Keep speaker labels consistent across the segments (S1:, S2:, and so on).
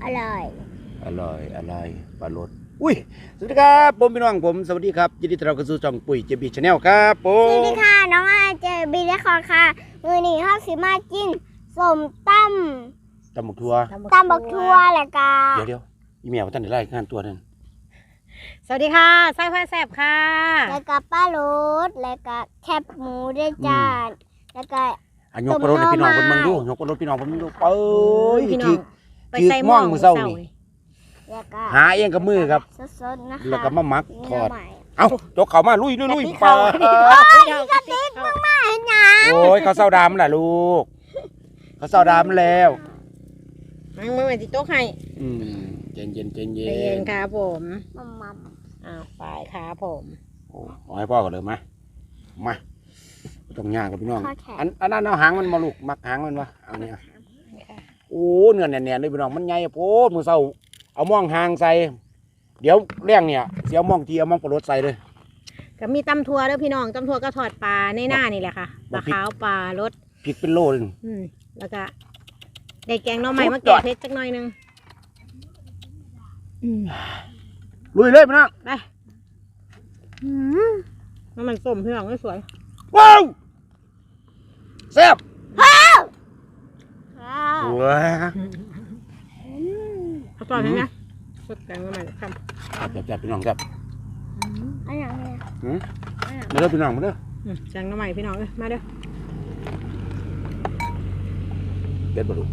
S1: ร่อย
S2: อร่อยปลาโลดอุ้ยสวัสดีครับผมพี่น้องผมสวัสดีครับยินดีต้อนรับเข้าสู่ช่องปุ๋ยเจบีชาแนลครับผ
S1: สวัส
S2: ม
S1: ดีค่ะน้องอาเจบีและคอค่ะมือนี้ข้าวสีมากินสมต
S2: ตำบักทัว
S1: ำบักทั่วแหละกา
S2: เดี๋ยวอีเมียว่าท่านได้ไล่งานตัวนั่น
S3: สวัสดีค่ะไส้ผ้าแสบค่ะ
S1: แล้วก็ป้าโรสแล้วก็แคบหมูด้วยจ้าแล้วก็
S2: ยกปลาโลดให้พี่น้องเพิ่นเบิ่งดูยกปลาโลดพี่น้องเพิ่นเบิ่งดูเอ้ย
S3: พี่น้อ
S2: ถื
S3: ง
S2: อ
S3: ไปใส่หม้อมื้อเช้านี่
S1: แล้วก็
S2: หาเองกับมือครับ
S1: สดๆนะคะ
S2: แล้วก็มาหมักทอด
S1: เนื้ใหม่
S2: เอ้าจกเข้ามาลุยปลา
S3: กระติกมาก
S1: เห็นยัง
S2: โอ้ยเขาเศร้าดำล่ะลูกเขาเศร้าดำแล้ว
S3: มึงมาติโต๊ะให้
S2: เย็นเย็น
S3: ใจเย็นครับผม
S1: มัม
S3: อ้าวไปครับผม
S2: โอ้เอาให้พ่อก่อนเลยมาต้องย่างกับพี่น้อง
S1: ข้อแขน
S2: อันนั้นเอาหางมันมาลูกมักหางมันวะเอาเนี่ยโอ้เนื้อแน่นๆเลยพี่น้องมันใหญ่โพดมือเศร้าเอาม่องหางใส่เดี๋ยวเลี้ยงเนี่ยเสียวม่องทีเอาม่องปลาโลดใส่เลย
S3: ก็มีตำทัวเด้อพี่น้องตำทัวก็ทอดปลาในหน้านี่แหละค่ะปลาขาวปลารส
S2: พริกเป็นโลเลย
S3: แล้วก็ได้แกงหน่อไม้มาแกะเพชรจักหน่อยนึง
S2: ลุยเลยพี่น้อง
S3: ไปน้ำมันส้มพี่น้องสวย
S2: ว้าวแซ่บ
S1: ข้าว
S2: ว้า
S3: เขาตอนนี้นะสดแกงหน่อไม้ครับ
S2: แซ่บพี่น้องแซ่บ
S1: อันอย่างนี้
S2: มาเด้อพี่น้องมาเด้อ
S3: แกงหน่อไม้พี่น้องเลยมาเด้อ
S2: เด็ดบลู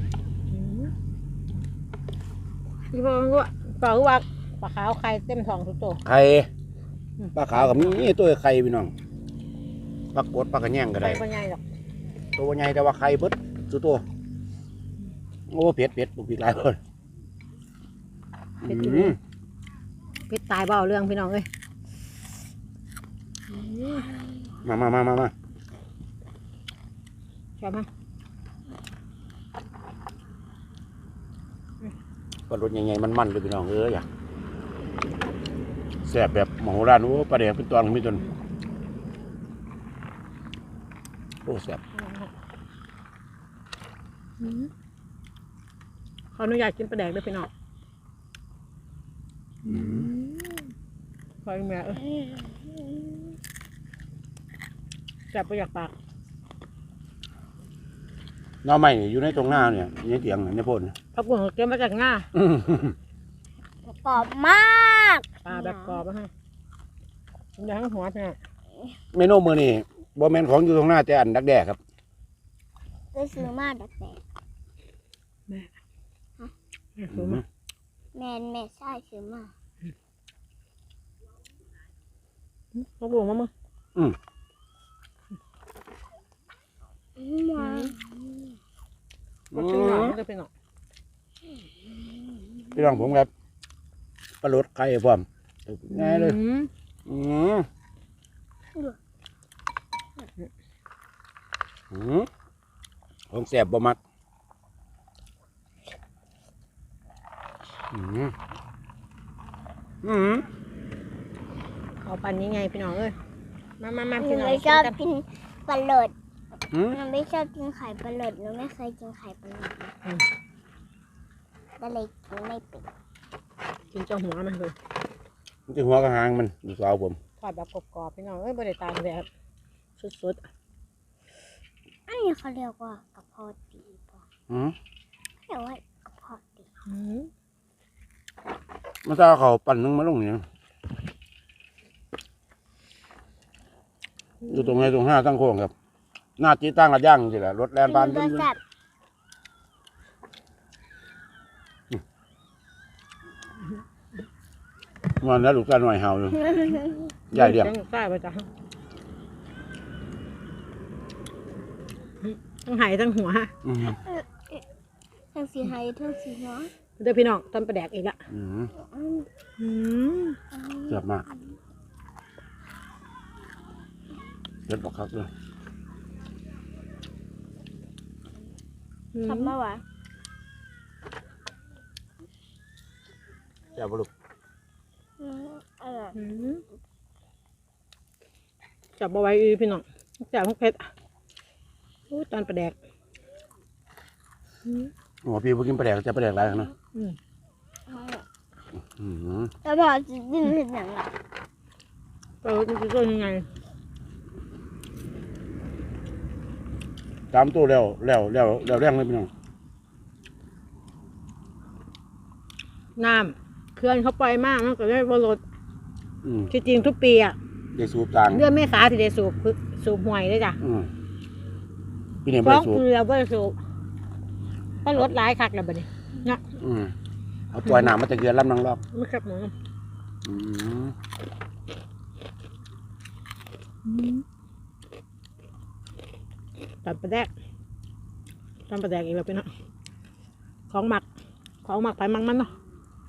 S3: พี่พ่อรู้ปลาว่าปลาขาวไข่เต็มท้องทุกตัว
S2: ไข่ปลาขาวกับนี่ตัวไข่พี่น้องปลากดปลากระแยงก็ได้
S3: ไข่ปลาใหญ่หรอก
S2: ตัวใหญ่แต่ว่าไข่เบิดสุดตัวโอ้เผ็ดบุกปีกหลายคน
S3: เพชรตายเบาเรื่องพี่น้องเลย
S2: มา
S3: ชอบไหม
S2: ปลารสใหญ่ๆมันๆเลยพี่น้องอยากแซ่บแบบมโหฬารโอ้ปลาแดงเป็นตัวมีจนโอ้แซ่บ
S3: ขออนุญาตกินปลาแดกด้วยพี่น้องขออีกแม่จับไปอยากปาก
S2: น้องใหม่อยู่ในตรงหน้าเนี่ยในเตียงในโพน
S3: พักบุ้งเก็บมาจากหน้าก
S1: รอบมาก
S3: ปลาแบบกรอบนะฮะอย่าให้หัวพี่น้อง
S2: เมนูมื้อนี้บ่แม่นของอยู่ตรงหน้าแต่อันดักแด้ครับ
S1: ไปซื้อมาดักแตก
S3: ซื้อมา
S1: แม่ใช่ซื้อมา
S3: พักบุ้งมามึง
S1: มา
S3: ก็ชิ้นหน่อยก็เป็นหน่อย
S2: พี่น้องผมครับปลารสไข่พร้อมง่ายเลยของแซ่บบ่มัก
S3: เอาปันนี้ไงพี่น้องเอ้ยมา
S1: ห
S3: พี่
S1: นู
S3: น้อง
S1: ไม่ชอบกินปลาหลดหนูไม่ชอบกินไข่ปลาหลดหนูไม่เคยกินไข่ปลาหลดก็เลยกินไม่เป็น
S3: กินเจ้าหัวมันเลย
S2: มันจะหัวกระหางมันดูสาวผม
S3: ทอดแบบกรอบๆพี่น้องเอ้ยบริตามแบบสุด
S1: อันนี้เขาเรียกว่ากระเพาะดีป่ะเรียกว่ากระเพาะดี
S2: มันจะเอาเขาปั่นนึงมาลงเนี่ยอยู่ตรงไหนตรงหน้าตั้งโค้งครับหน้าจีตั้งกระย่างสิแหละรถแลนบาน
S1: กิ
S2: เดิ
S1: น
S2: น
S1: แซ่บ
S2: มันแล้วลูกตาหน่อยเห่าอยู่ใหญ่เดียว
S3: ใช่ประจ้ะทั้งหายทั้งหัว
S1: ทั้งสีไทยทั้งสีน้อย
S3: เดี๋ยวพี่น้องตอนประแดกอีกละ
S2: เจ็บมากเจ็บบอกครับเลย
S1: ทำมาหวะ
S2: เจ็บลูก
S1: อร่อย
S3: จับเอาไว้พี่น้องจับพวกเพชรตอนประแดก
S2: โอ้พี่พวกกินปลาแดกจะปลาแดกอะไรกันเนาะ
S1: แล้วพอจะดิ้นเห็นอย่างไร
S3: มันจะต้นยังไง
S2: ตามตัวแล้วแรงเลยพี่น้อง
S3: น้ำเขื่อนเขาปล่อยมากมันก็ได้บรด
S2: อืม
S3: จริงๆทุกปีอ่ะ
S2: ได้สูบต่าง
S3: เดือนเมษาที่ได้สูบห่วยเลยจ้ะ
S2: พี่เนี่ย
S3: ฟ้
S2: ไม่
S3: อง
S2: ได้สูบ
S3: คือเราไม่ได้สูบก็ลดหลายคักแล้วบัดนี้นะ
S2: เอาปล่อยน้ำมาจากเขื่อนลำนางรอบ
S3: ไม่ครับหนู ตำปลาแดกอีกแล้วไปเนาะของหมักไปมังมันเนาะ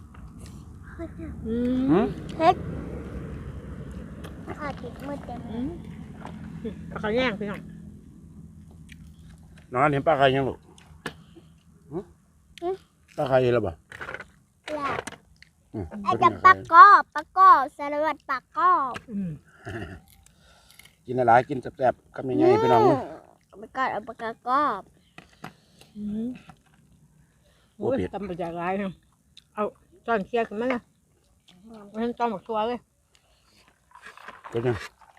S1: เฮ็ดข้าติดมือเต็ม
S3: ปลาเขาแย่งพี่น้อง
S2: น้องอันเห็นปลาไข่ยังลูกปลาไข่แล้วบ่
S1: แล้วไอ้กับปลากอบสารวัตรปลากอบ
S2: กินอะไรกินแซ่บๆคำยังไงพี่น้อง
S1: ปลากอบเอาปลากอบ
S3: โอ้ยตำปลาจากไรเนาะเอาจอนเคลียร์กันไหมนะมันจอนหมกตัวเลย
S2: ก็ยัง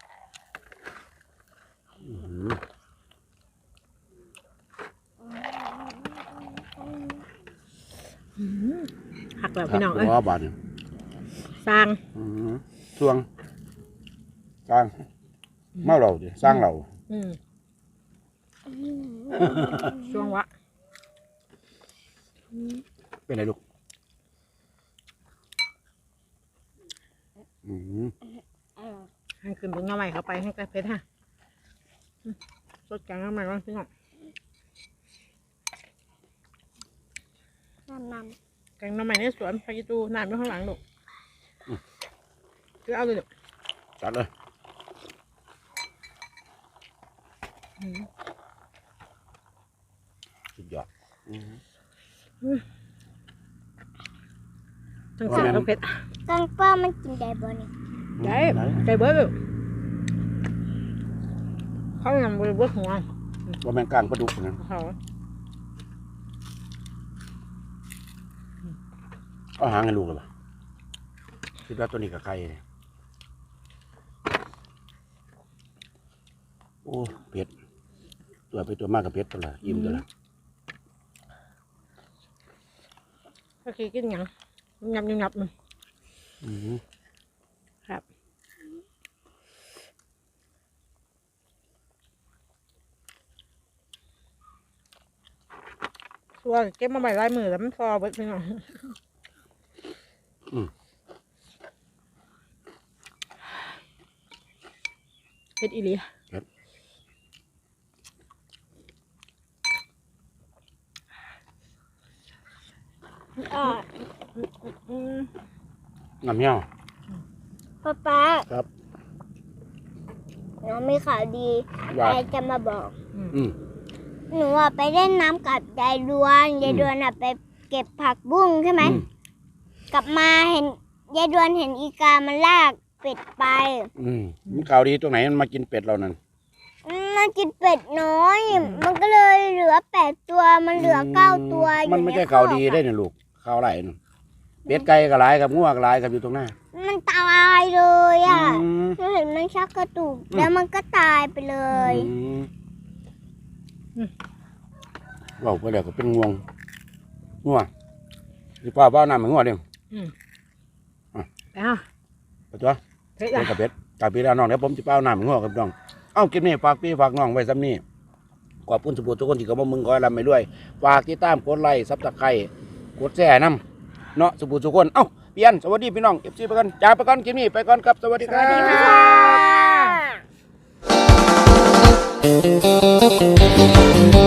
S3: หักแล้วพี่น้องเอ้ย
S2: หัวบาดเนี่ย
S3: สร้าง
S2: ช่วงสร้างเมาเราดิสร้างเรา
S3: ช่วงวะ
S2: เป็นไรลูก
S3: ให้ขึ้นบนหน้าใหม่เข้าไปให้กระเพชรฮะสดกลางหน้าใหม่บ้างพี่น้อง
S1: น้ำ
S3: แกงหน้ำใหม่ในสวนพายิตูน้ำอยู่ข้างหลังลูกคือเอาเลยลูก
S2: จัดเลยสุดยอด
S3: ทั้งเสียทั้งเผ็ด
S1: กังป้ามันกินได้บ่นี่
S3: ได้ไก่เบิร์ดลูกเขานำบริบทหัว
S2: ว่าแมงกลางปลาดุกนะ
S3: เขา
S2: เอาหางให้ลูกเลยป่ะคิดว่าตัวนี้กับใครเนี่ยโอ้เผ็ดตัวไปตัวมากกับเผ็ดตัวละยิ้มตัวละ
S3: ก็คือกินหยังยับมันครับส่วนเก็บมาใบลายมือแล้วมันฟอเบิดพี่น้องเผ็ดอีหลี
S2: น้ำเหี้ยว
S1: ป้า
S2: ครับ
S1: น้องมีข่าวดี
S2: ว่า
S1: ยายจะมาบอก
S2: อืม
S1: หนูอะไปเล่นน้ำกับยายดวนอะไปเก็บผักบุ้งใช่ไหม กลับมาเห็นยายดวนเห็นอีกามันลากเป็ดไป
S2: มันข่าวดีตรงไหนมันมากินเป็ดเรานั่น
S1: มันกินเป็ดน้อย มันก็เลยเหลือ8 ตัวมันเหลือ9 ตัวอยู่
S2: มันไม่ใช่
S1: ใน
S2: ข่าว
S1: คอก
S2: ดีได้เนี่ยลูกข่าวไรน่ะเป็ดไก่ก็หลายกับงัวก็หลายกับอยู่ตรงหน้า
S1: มันตายเลยอ่ะ
S2: อืม
S1: หนูเห็นมันชักกระตุกแล้วมันก็ตายไปเลย
S2: เราไปเดี๋ยวก็เป็นง่วงหรือเปล่าเปล่าน้ำเหมือนง่วงเดียว
S3: อ้าว
S2: ไปตัว
S3: เผ็ด
S2: เป็
S3: อ่ะ
S2: ดกับเป็ดกับพี่น้องเดี๋ยวผมจะเปล่าน้ำเหมือนง่วงกับน้องเอ้าคลิปนี้ฝากพี่ฝากน้องไว้ซ้ำนี่ขอบคุณสุภุทุกคนที่เข้ามามึงคอยรำไปด้วยฝากติดตามกดไลค์ซับสไครต์กดแชร์น้ำเนาะสุภุทุกคนเอ้าเพียนสวัสดีพี่น้องเอฟซีไปก่อนจ้าไปก่อนคลิปนี้ไปก่อนครับสวัสดีครับ
S1: ค่ะ